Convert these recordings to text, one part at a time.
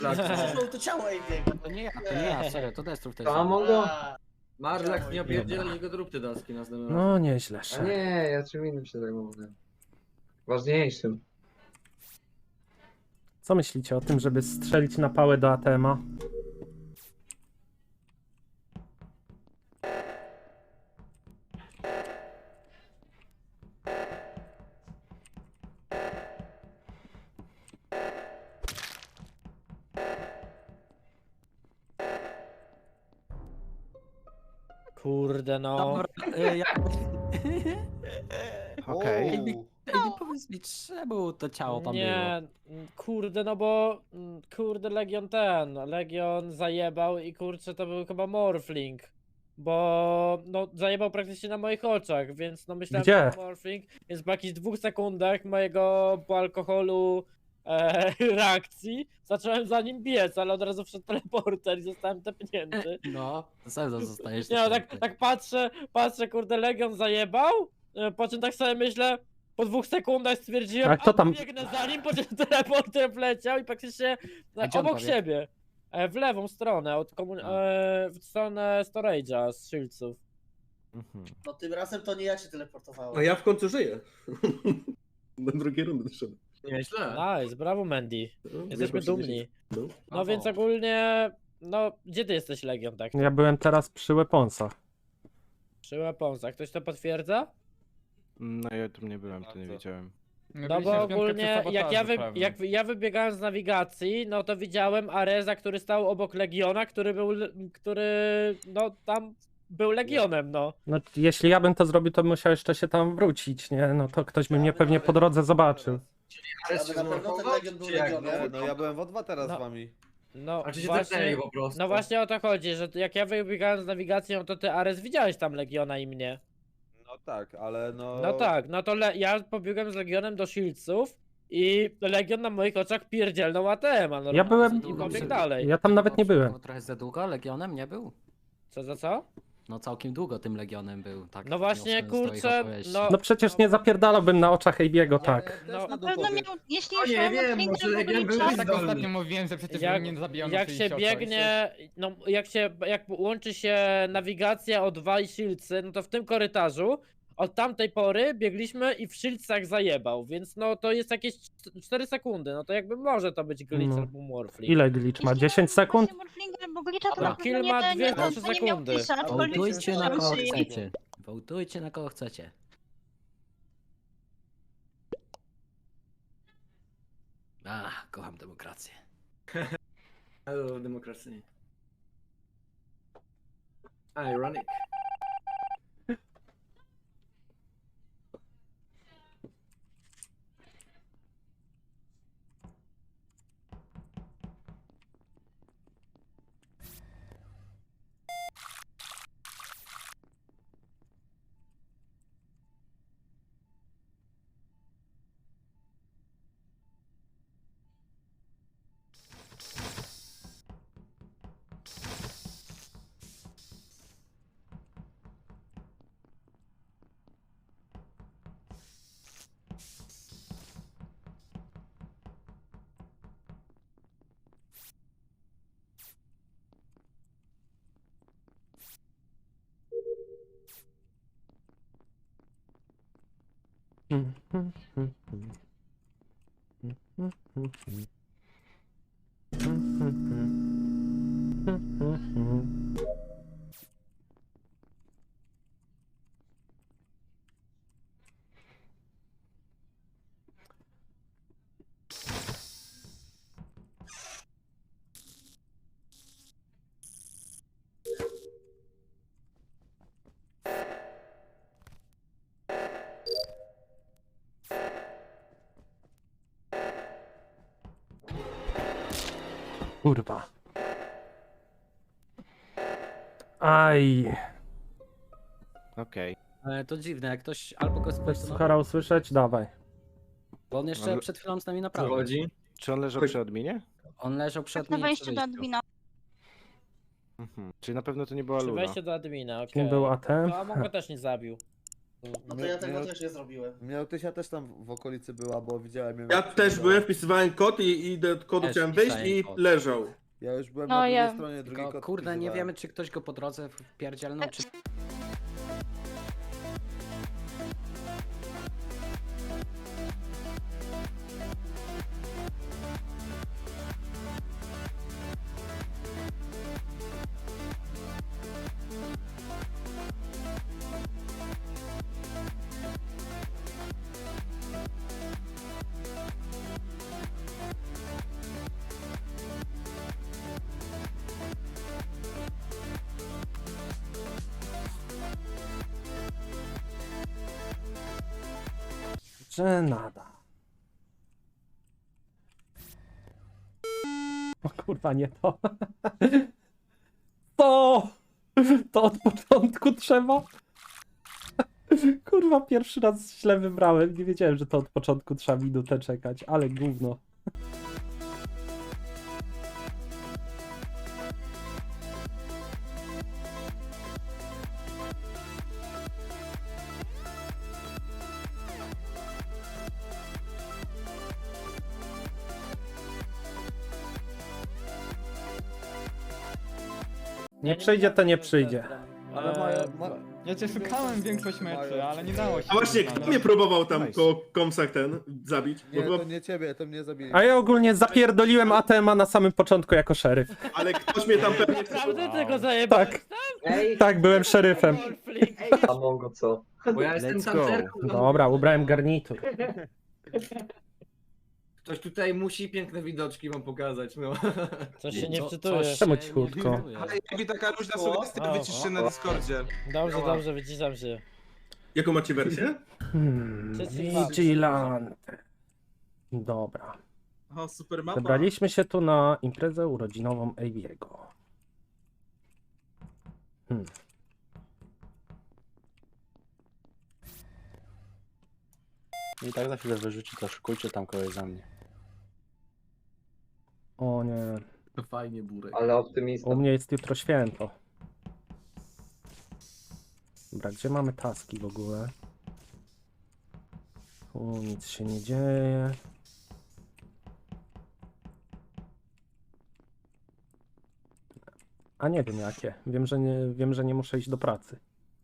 Zresztą to ciało Aviego. To nie ja, serio, to Destrów to jest. A Mongo? Marlak, nie opierdzielaj go, zrób te daski następnym razem. No nieźle, A szef. nie, ja czym innym się zajmowałem. Ważniejszym. Co myślicie o tym, żeby strzelić na pałę do ATM-a? Kurde no. Dobra, Okej. Ej, powiedz mi, czemu to ciało tam było? Nie, kurde, no bo kurde Legion zajebał i kurczę to był chyba Morphling. Bo no zajebał praktycznie na moich oczach, więc no myślałem, Gdzie? że to Morphling, więc po jakichś 2 sekundach mojego po alkoholu reakcji zacząłem za nim biec, ale od razu wszedł teleporter i zostałem tepnięty. No, sam zostajesz. Nie no, tak patrzę, kurde, Legion zajebał, po czym tak sobie myślę, po 2 sekundach stwierdziłem, A kto tam- biegnę za nim, po czym teleporter wleciał i praktycznie A gdzie on obok powie? siebie, w lewą stronę, w stronę storage'a z Shieldsów. No tym razem to nie ja się teleportowałem. A ja w końcu żyję. Do drugiej rundy doszedłem. Nieźle. Nice, brawo Mandy, No, jesteśmy proszę, dumni. No. No więc ogólnie, no gdzie ty jesteś Legion tak? Ja byłem teraz przy Weaponsach. Przy Weaponsach, ktoś to potwierdza? No ja tu nie byłem, to nie co? wiedziałem. No bo ogólnie jak ja wybiegałem z nawigacji, no to widziałem Areza, który stał obok Legiona, który no tam był Legionem, no. No jeśli ja bym to zrobił, to bym musiał jeszcze się tam wrócić, nie? No to ktoś by mnie pewnie po drodze zobaczył. Ale na pewno ten Legion był Legionem. No ja byłem w O2 teraz No. z wami. No A czy się właśnie, tepnęli po prostu? no właśnie o to chodzi, że jak ja wybiegałem z nawigacji, no to ty Arez widziałeś tam Legiona i mnie. No tak, ale no... No tak, no to ja pobiegłem z Legionem do Shieldsów i Legion na moich oczach pierdzielnął ATM-a. No, Ja byłem- i pobiegł dalej. Ja tam nawet nie byłem. Trochę za długo Legionem nie był? Co za co? No całkiem długo tym Legionem był, tak. No właśnie, wniosłem z twoich kurczę, opowieści. no- No przecież nie zapierdalałbym na oczach Ejbiego, tak. No, Na pewno miał, jeśli O już nie, miał wiem, Morphlinga, może to Legion był czas. tak ostatnio mówiłem, że przecież Jak- nie zabijano jak się biegnie, no jak łączy się nawigacja O2 i Shieldsy, no to w tym korytarzu od tamtej pory biegliśmy i w Shieldsach zajebał, więc no to jest jakieś 4 sekundy, no to jakby może to być glitch No. albo Morphling. Ile glitch ma? 10 sekund? Morphlinga albo glitcha, to No, na kill pewno ma nie, nie, 2-3 nie miał sekundy. glitcha, aczkolwiek Wołtujcie na kogo słyszałem, że- chcecie. Wołtujcie na kogo chcecie. Kocham demokrację. Hello, demokracji. Ironic. Kurwa. Aj. Okej. To dziwne, jak ktoś albo go Chcesz spoilował, Suchara usłyszeć? Dawaj. bo on jeszcze Ale- przed chwilą z nami Co naprawdę. chodzi? Czy on leżał przy adminie? On leżał przed Tak na nim wejściu przy do wyjściu. admina. Czyli na pewno to nie była Przy Luna. wejściu do admina, okej. Kim był ATM? No a Mongo też nie zabił. No to ja tego też nie zrobiłem. Miałtysia też tam w okolicy była, bo widziałem ją. Ja też byłem, wpisywałem kod i do kodu Też chciałem wyjść wpisałem i kod. leżał. Ja już byłem No, na drugiej ja- stronie, drugi Tylko kod kurde, nie wpisywałem. wiemy, czy ktoś go po drodze wpierdzielnął, czy... Że nada. O kurwa, nie to. To! To od początku trzeba? Kurwa, pierwszy raz źle wybrałem. Nie wiedziałem, że to od początku trzeba minutę czekać, ale gówno. Nie przyjdzie, to nie przyjdzie. Ale mają... Ja cię szukałem większość meczy, ale nie dało się. A właśnie, kto mnie próbował tam po komsach zabić? Bo Nie, chyba, to nie ciebie, to mnie zabili. A ja ogólnie zapierdoliłem ATM-a na samym początku jako szeryf. ale ktoś mnie tam pewnie... Naprawdę tego zajebałeś? Tak, Ej, tak, byłem szeryfem. a Mongo co? Bo ja jestem Let's go. tancerką. Dobra, ubrałem garnitur. Ktoś tutaj musi piękne widoczki wam pokazać, no. Coś się nie Co- wczytuje. coś Czemu się cichutko? nie wczytuje. Jakby taka luźna sugestia, wycisz się na Discordzie. Dobrze, dobrze, wyciszam się. Jaką macie wersję? Vigilante. Dobra. O, super mapa. Wybraliśmy się tu na imprezę urodzinową Aviego. I tak za chwilę wyrzuci, to szykujcie tam kogoś za mnie. O nie, To fajnie, Burek. Ale optymista. u mnie jest jutro święto. Dobra, gdzie mamy taski w ogóle? Tu nic się nie dzieje. A nie wiem jakie. Wiem, że nie muszę iść do pracy.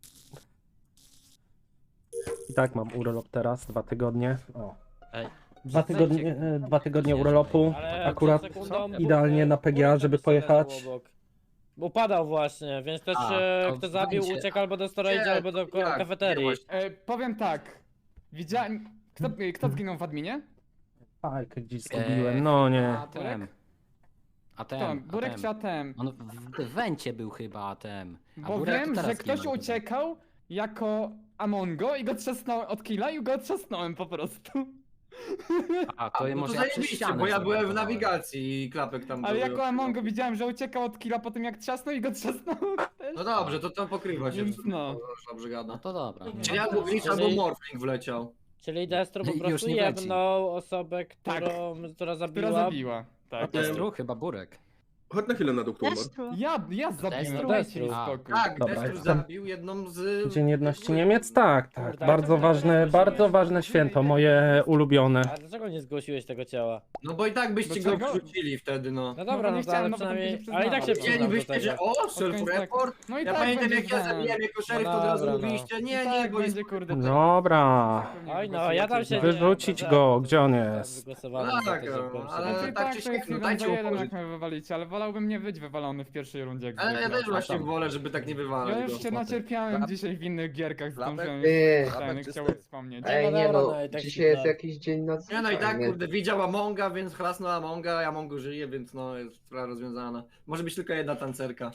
I tak mam urlop teraz, 2 tygodnie. O. Ej, 2 tygodnie urlopu. Ale Akurat przed sekundą idealnie na PGA, żeby pojechać. Upadał właśnie, więc ktoś to kto zabił będzie. uciekł albo do storage'a, albo do Jak? kafeterii. Powiem tak. Widziałem... Kto zginął w adminie? Fajkę gdzieś zgubiłem, no nie. ATM. Kto? ATM. Burek czy ATM? On w wencie był chyba ATM. A Bo Burek wiem, teraz że ktoś zginął. uciekał jako Amongo i go trzasnąłem od killa i go trzasnąłem po prostu. A, to No może to ja przez zajebiście, ścianę bo ja byłem w zablokowałem. nawigacji i klapek tam Ale był. jako Amongo widziałem, że uciekał od killa po tym jak trzasnął i go trzasnąłem też. No dobrze, to pokrywa się. Więc no. Dobrze No gada. to dobra. Czyli albo glitch, albo morphling wleciał. Czyli Destro po Już prostu nie leci. jebnął osobę, która Która zabiła. zabiła. Tak. Destru? Chyba Burek. Chodź na chwilę na doktor. Destru. Ja zabiłem, Destru. dajcie mi A. spokój. Tak, Dobra, Destru jestem. zabił jedną z... Dzień Jedności Niemiec? Tak, tak. Kurde, Bardzo ale to ważne, bardzo ważne święto, moje ulubione. A dlaczego nie zgłosiłeś tego ciała? No bo i tak byście go Dlaczego? wrzucili wtedy, no. No dobra, nie no to chciałem, ale no bo tam przynajmniej... się Ale i tak się przyznałem. przyznam do Chcielibyście, że tego. o, self-report. No i Ja tak pamiętam będzie jak ja zdane. zabiłem jako szeryf, No to od razu dobra, no. mówiliście, I nie, tak bo jest... będzie kurde. Dobra. Oj no, ja tam się... Wyrzucić go, gdzie on jest? Wygłosowałem No za tak, tym, żeby go ale- Znaczy, tak tak, czy to siak, jest no jeden dajcie za jeden, uporzyć. jak mnie wywalicie, ale wolałbym nie być wywalony w pierwszej rundzie. Jak Ale ja zwykle. też właśnie wolę, żeby tak nie Ja wywalać już go. się nacierpiałem dzisiaj w innych gierkach, Klapek? zdążyłem Ty. ten, chciałem wspomnieć. Ej, nie dobra, no, no i tak dzisiaj się jest da. jakiś dzień na Nie no i tak, nie? kurde, widział Amonga, więc chlasnął Amonga, ja Amongo żyje, więc no jest sprawa rozwiązana. Może być tylko jedna tancerka.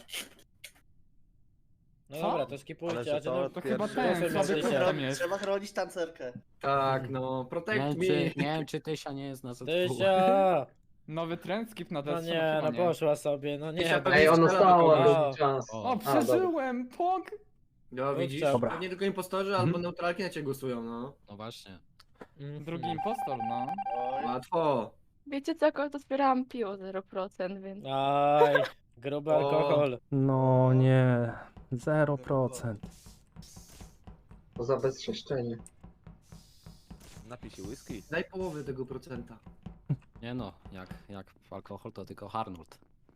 No Co? dobra, to skipujcie, a ty no... To chyba Pierwszy ten, słaby myślę. kurde tam jest. Trzeba chronić tancerkę. Tak, no, Nie protect wiem, me. czy, nie wiem, czy Tysia nie jest na ZW. Tysia! Nowy trend, skip na No desce, nie, chyba no nie. poszła sobie, no nie. Tysia bo- Ej, ono stało O. długi czas. O, przeżyłem, pok! No widzisz, Dobra. pewnie tylko impostorzy albo neutralki na ciebie głosują, no. No właśnie. Drugi impostor, no. Oj. Łatwo. Wiecie co, to zbierałam piło 0%, więc... Aj, gruby O. alkohol. No nie, 0%. To za bezczeszczenie. Napij się whisky. Daj połowę tego procenta. Nie no, jak alkohol to tylko Arnold.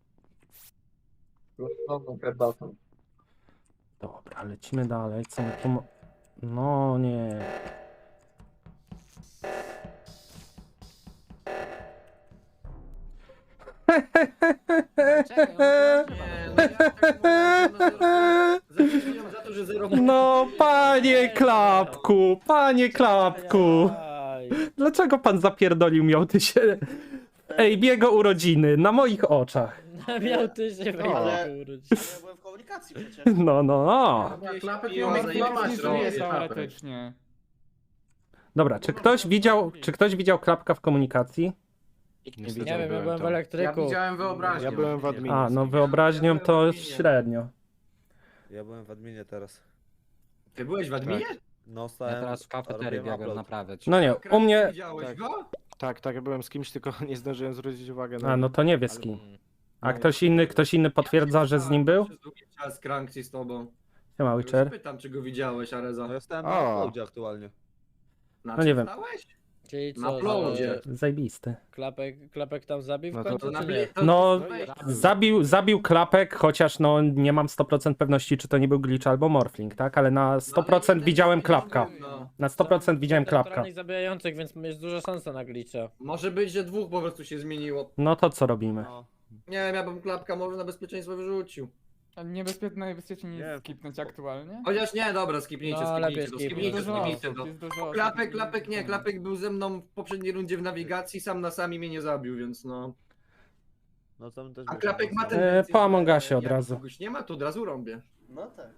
Losowną herbatą. Dobra, lecimy dalej. Co my tu... No nie. Nie, no jak tak można? Zapewniam za to, że zero. No, panie Klapku, panie Klapku. Aj. Dlaczego pan zapierdolił miał ty się... Ej, biego urodziny, na moich oczach. Miał ty się Ale- wejść. Ja byłem w komunikacji przecież. No, no, no. Klapek No, miał nie zajebać, żyje no. teoretycznie. Dobra, czy ktoś widział Klapka w komunikacji? Nie Nie wiem, ja byłem w Ja elektryku. widziałem wyobraźnię. Ja byłem w adminie. A, no wyobraźnią to średnio. Ja byłem w adminie teraz. Ty byłeś w adminie? No Ja stałem. teraz w kafeterii robiłem biegłem upload. naprawiać. No nie, u mnie... Widziałeś Tak. go? Tak, ja byłem z kimś, tylko nie zdążyłem zwrócić uwagi na... A, no to nie wie z kim. Mm. A ktoś inny potwierdza, że z nim był? Przez długi czas Kranksi z tobą. Siema, Już Witcher. pytam, czy go widziałeś, Areza. No ja stałem O. na uploadzie aktualnie. Na No czym nie wiem. stałeś? Czyli Na co, uploadzie. Zajebisty. klapek tam zabił w No to- końcu, To czy na nie? No, to- zabił Klapek, chociaż no nie mam 100% pewności, czy to nie był glitch albo morphling, tak? Ale na 100% widziałem Klapka. No. Na 100% widziałem Klapka. Naturalnych zabijających, więc jest duża szansa na glitcha. Może być, że dwóch po prostu się zmieniło. No to co robimy? No. Nie wiem, ja bym Klapka może na bezpieczeństwo wyrzucił. Najbezpieczniej nie Nie. jest skipnąć aktualnie. Chociaż nie, dobra, skipnijcie, No, skipnijcie lepiej to, skipnij. skipnijcie, Dużo skipnijcie osób, to. jest dużo osób. Klapek nie, Klapek był ze mną w poprzedniej rundzie w nawigacji, sam na sami mnie nie zabił, więc no. No tam też A było Klapek ma mocno. tendencję, po Among Usie że od jak razu. kogoś nie ma, to od razu rąbię. No tak.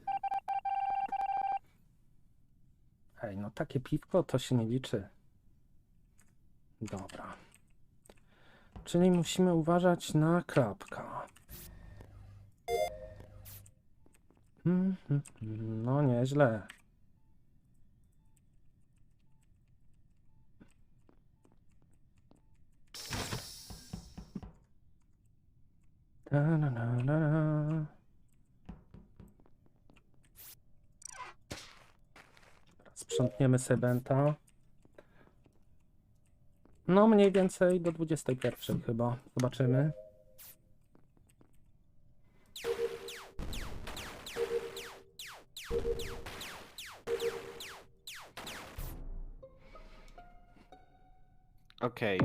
Ej, no takie piwko to się nie liczy. Dobra. Czyli musimy uważać na Klapka. No nieźle. Ta-na-na-na-na. Sprzątniemy Sebenta. No mniej więcej do 21 chyba. Zobaczymy. Okej.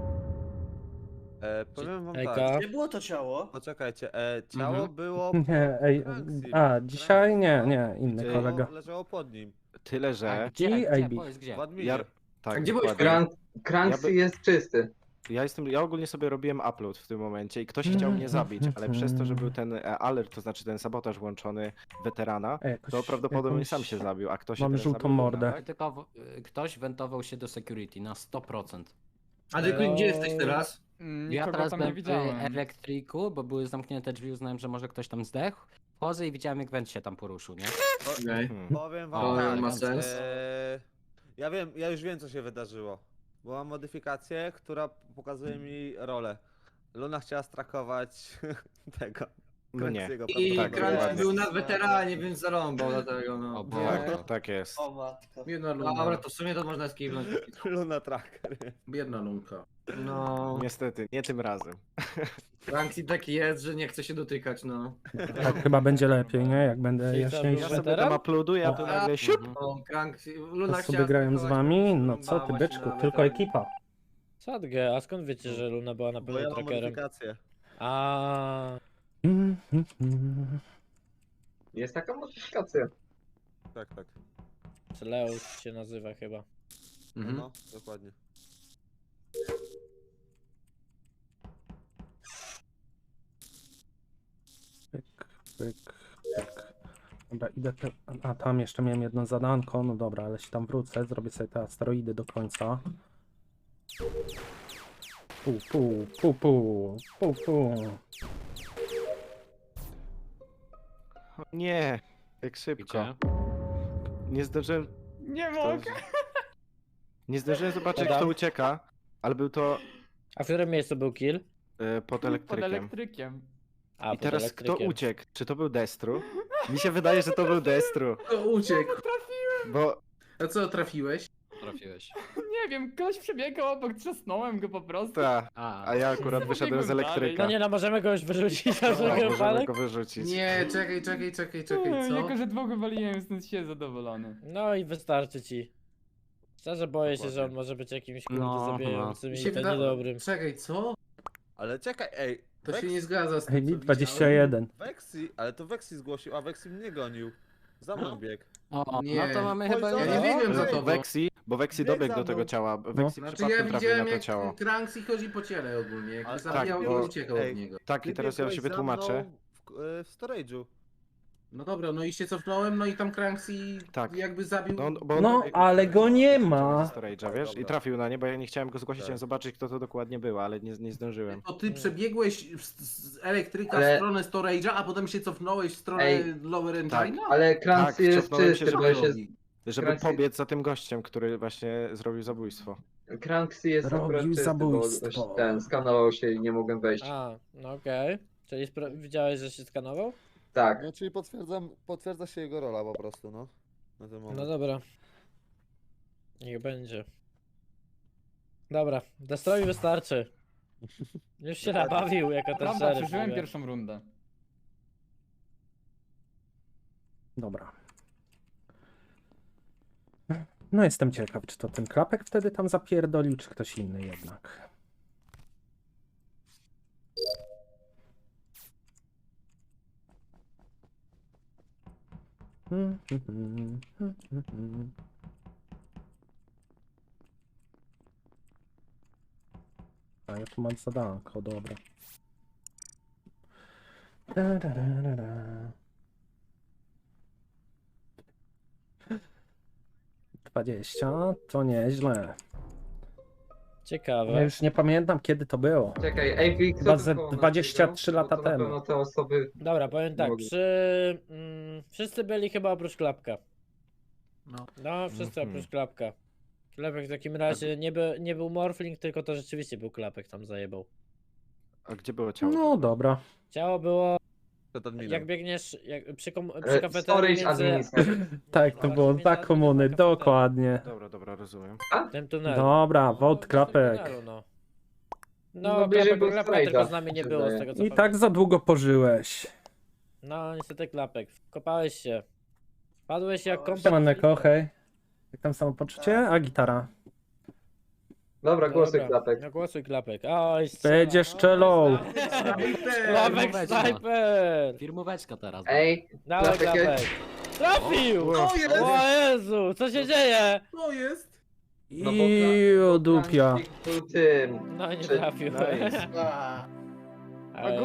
Powiem wam Ejka. tak. Gdzie było to ciało? Poczekajcie, ciało Mhm. było. Nie, ej, Kranksi. a dzisiaj nie, inny Ty- kolega. Leżało pod nim. Tyle, A że... gdzie, I gdzie, AB. powiedz gdzie? W adminie. Ja... Tak, A gdzie byłeś, dokładnie. Kranksy Ja by- jest czysty. Ja ogólnie sobie robiłem upload w tym momencie i ktoś chciał mnie zabić, ale przez to, że był ten alert, to znaczy ten sabotaż włączony weterana, Ej, jakoś- to prawdopodobnie jakąś- sam się zabił, a ktoś się mam teraz żółtą zabił, Luna, mordę. tak? Tylko ktoś wentował się do security na 100%. A ty No. gdzie jesteś teraz? Ja Nikogo teraz tam nie byłem w widziałem. elektryku, bo były zamknięte drzwi, uznałem, że może ktoś tam zdechł. Wchodzę i widziałem, jak went się tam poruszył, nie? Okej. Powiem wam O, tak. ma sens. Ja już wiem co się wydarzyło. Bo mam modyfikację, która pokazuje mi rolę. Luna chciała strakować tego. No nie. Kranksiego, I Tak, Kranks dokładnie. był na weteranie, więc zarąbał dlatego, no. O Tak, Boże. tak jest. O matko. Biedna Luna. Dobra, to w sumie to można skipnąć. Luna tracker. Biedna Lunka. No, Niestety, nie tym razem. Kranks taki jest, że nie chce się dotykać, no. Tak chyba będzie lepiej, nie? Jak będę Czyli co, jaśniejszy. Ja był sobie weteran? tam uploaduję, a tu nagle siup! O, Kranks, Luna To sobie chciała grają z strakować, wami? po No prostu co ty bała się byczku, na tylko weteranie. ekipa. Sadgę, a skąd wiecie, że Luna była na Bo pewno ja mam trackerem? modyfikację. A Jest taka modyfikacja. Tak, tak. Leus się nazywa chyba. Mhm. No, dokładnie. Pyk, pyk, pyk. Dobra, idę te... A tam jeszcze miałem jedno zadanko, no dobra, ale się tam wrócę, zrobię sobie te asteroidy do końca. Pu. O nie, jak szybko. Gdzie? Nie zdążyłem... Nie to- mogę! Nie zdążyłem zobaczyć, Dobra. kto ucieka, ale był to A w którym miejscu był kill? pod Pod elektrykiem. elektrykiem. A, I pod teraz elektrykiem. kto uciekł? Czy to był Destru? Mi się wydaje, że to był Destru. To uciekł. Trafiłem! Bo A co, trafiłeś? Trafiłeś. Nie wiem, ktoś przebiegał obok, trzasnąłem go po prostu. ta, a ja akurat wyszedłem z Pobiegłem dalej. elektryka. No nie no, możemy kogoś wyrzucić na Tak, wszelki możemy wypadek. go wyrzucić. Nie, czekaj, co? Jako, że dwóch wywaliłem, jestem się zadowolony. No i wystarczy ci. Szczerze boję się, że on może być jakimś kurde No, zabijającym Mi i się to wyda- niedobrym. Czekaj, co? Ale czekaj, ej. To się nie zgadza z Ej, tym, mi co 21. Vexi, ale to Vexi zgłosił, a Vexi mnie gonił. Za mną bieg. O, Nie. no to mamy chyba... Ja nie wiem, co to było. Bo Vexi Bieg dobiegł za do tego mną. ciała. Vexi Znaczy przypadkiem ja trafił widziałem na to jak ciało. Kranks i chodzi po ciele ogólnie, jak Ale- zabijał tak, i bo- uciekał ej, od niego. Tak, i teraz ja biegłeś się za wytłumaczę. mną w storage'u. No dobra, no i się cofnąłem, no i tam Kranks i Tak. jakby zabił... Bo on No, dobiegł ale do go nie do ma. storage'a, wiesz? I Dobra. trafił na nie, bo ja nie chciałem go zgłosić, Tak. chciałem zobaczyć, kto to dokładnie był, ale nie zdążyłem. To ty przebiegłeś z elektryka Ale- w stronę storage'a, a potem się cofnąłeś w stronę Ej, lower engine'a? tak. Ale Kranks Tak, jest cofnąłem się, czysty, żeby bo się... Żeby Kranks- pobiec za tym gościem, który właśnie zrobił zabójstwo. Kranks jest Robił akurat czysty, zabójstwo. bo ten skanował się i nie mogłem wejść. A, no okej. Czyli widziałeś, że się skanował? Tak. No czyli potwierdza się jego rola po prostu, no. Na ten moment. No dobra. Niech będzie. Dobra, Destroy wystarczy. Już się nabawił jako ten Prawda, szeryf. przeżyłem mówię. pierwszą rundę. Dobra. No jestem ciekaw, czy to ten klapek wtedy tam zapierdolił, czy ktoś inny jednak. A ja tu mam zadanko, dobra. Da, da, da, da, da. 20, to nieźle. Ciekawe. Ja już nie pamiętam, kiedy to było. Czekaj, Ej, kto Chyba tu ze koło nas 23 biegał? lata Bo to na temu. pewno te osoby... Dobra, powiem tak, Mogę. wszyscy byli chyba oprócz Klapka. No. No, wszyscy Mhm. oprócz Klapka. Klapek w takim razie nie był Morphling, tylko to rzeczywiście był Klapek, tam zajebał. A gdzie było ciało? No dobra. Ciało było, Przed adminem. jak biegniesz przy E, kafeterii Storage między administrator. Tak, to było za komuny, dokładnie. Dobra, rozumiem. tym tunelem. Dobra, No, wod w tym klapek. tunelu, no. No, No, bliżej był Klapka Storage'a, tylko z nami mi nie się było, z wydaje. tego co I pamiętam. tak za długo pożyłeś. No, niestety Klapek, kopałeś się. Padłeś jak komplet. Siemaneko, hej. Jak tam samopoczucie? A gitara? Dobra, głosuj Dobra, Klapek. No głosuj Klapek. Oj, strzela. Będzie strzelą. Klapek Firmóweczka. snajper! Firmóweczka teraz. Ej, Dawaj Klapek jest- Klapek! Trafił! Co jest? O Jezu, co się dzieje? Co jest? No bo I o dupia. Kranks był tym. No nie Czy- trafił. Nice. A. Ale-